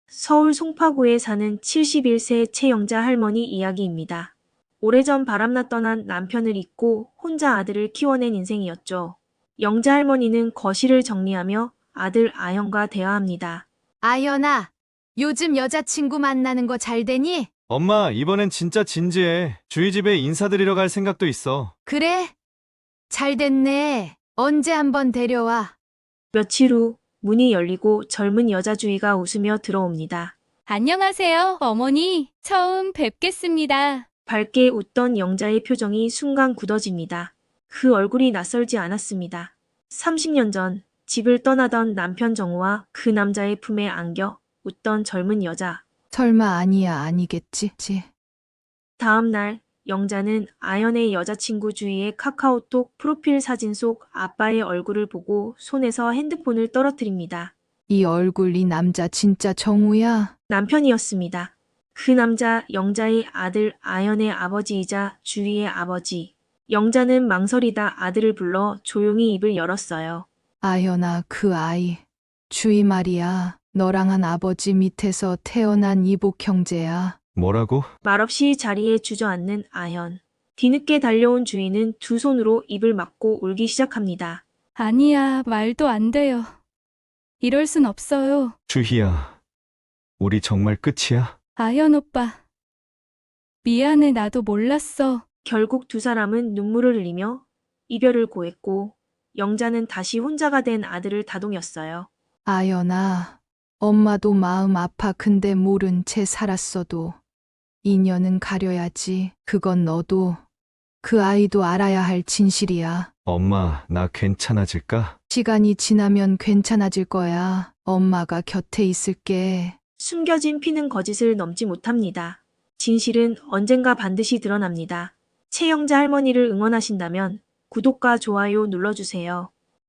서울 송파구에 사는 71세 최영자 할머니 이야기입니다. 오래전 바람나 떠난 남편을 잊고 혼자 아들을 키워낸 인생이었죠. 영자 할머니는 거실을 정리하며 아들 아현과 대화합니다. 아연아, 요즘 여자친구 만나는 거 잘 되니? 엄마, 이번엔 진짜 진지해. 주희 집에 인사드리러 갈 생각도 있어. 그래? 잘 됐네. 언제 한번 데려와. 며칠 후 문이 열리고 젊은 여자 주희가 웃으며 들어옵니다. 안녕하세요, 어머니. 처음 뵙겠습니다. 밝게 웃던 영자의 표정이 순간 굳어집니다. 그 얼굴이 낯설지 않았습니다. 30년 전 집을 떠나던 남편 정우와 그 남자의 품에 안겨 웃던 젊은 여자. 설마 아니겠지? 다음 날 영자는 아연의 여자친구 주희의 카카오톡 프로필 사진 속 아빠의 얼굴을 보고 손에서 핸드폰을 떨어뜨립니다. 이 얼굴 이 남자 진짜 정우야? 남편이었습니다. 그 남자 영자의 아들 아연의 아버지이자 주희의 아버지. 영자는 망설이다 아들을 불러 조용히 입을 열었어요. 아연아, 그 아이. 주희 말이야. 너랑 한 아버지 밑에서 태어난 이복 형제야. 뭐라고? 말없이 자리에 주저앉는 아현. 뒤늦게 달려온 주희는 두 손으로 입을 막고 울기 시작합니다. 아니야, 말도 안 돼요. 이럴 순 없어요. 주희야, 우리 정말 끝이야? 아현 오빠. 미안해, 나도 몰랐어. 결국 두 사람은 눈물을 흘리며 이별을 고했고 영자는 다시 혼자가 된 아들을 다독였어요. 아연아, 엄마도 마음 아파. 근데 모른 채 살았어도 인연은 가려야지. 그건 너도 그 아이도 알아야 할 진실이야. 엄마, 나 괜찮아질까? 시간이 지나면 괜찮아질 거야. 엄마가 곁에 있을게. 숨겨진 피는 거짓을 넘지 못합니다. 진실은 언젠가 반드시 드러납니다. 최영자 할머니를 응원하신다면 구독과 좋아요 눌러주세요.